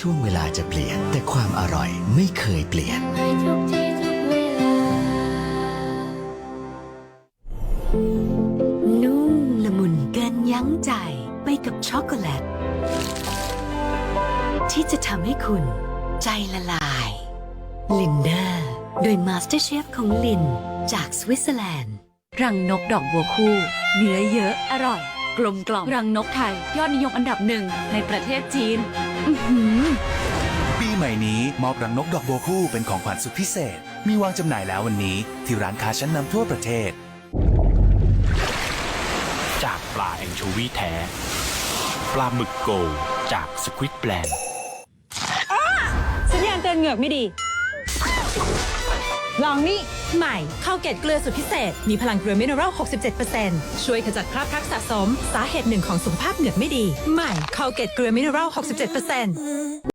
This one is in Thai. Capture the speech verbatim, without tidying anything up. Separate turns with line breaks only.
ช่วงเวลาจะเปลี่ยนแต่ความอร่อยไม่เคยเปลี่ยน
ทุกที่ทุกเวลานุ่มละมุนเกินยั้งใจไปกับช็อกโกแลตที่จะทำให้คุณใจละลายลินเดอร์โดยมาสเตอร์เชฟของลินจากสวิตเซอร์แลนด์
รังนกดอกบัวคู่เนื้อเยอะอร่อย กลมกล่อมรังนกไทยยอดนิยมอันดับหนึ่งในประเทศจีนอื้อหือ
ปีใหม่นี้มอบรังนกดอกบัวคู่เป็นของขวัญสุดพิเศษมีวางจำหน่ายแล้ววันนี้ที่ร้านค้าชั้นนำทั่วประเทศ
จากปลาแองโชวีแท้ปลาหมึกโกลจากสควิดแบลนด์
สัญญาณเตือนเหงือกไม่ดีลองนี่ใหม่ข้าวเกล็ดเกลือสุดพิเศษมีพลังเกลือมิเนอรัล หกสิบเจ็ดเปอร์เซ็นต์ ช่วยขจัดคราบพลักสะสมสาเหตุหนึ่งของสุขภาพเหงือกไม่ดีใหม่ข้าวเกล็ดเกลือมิเนอรัล หกสิบเจ็ดเปอร์เซ็นต์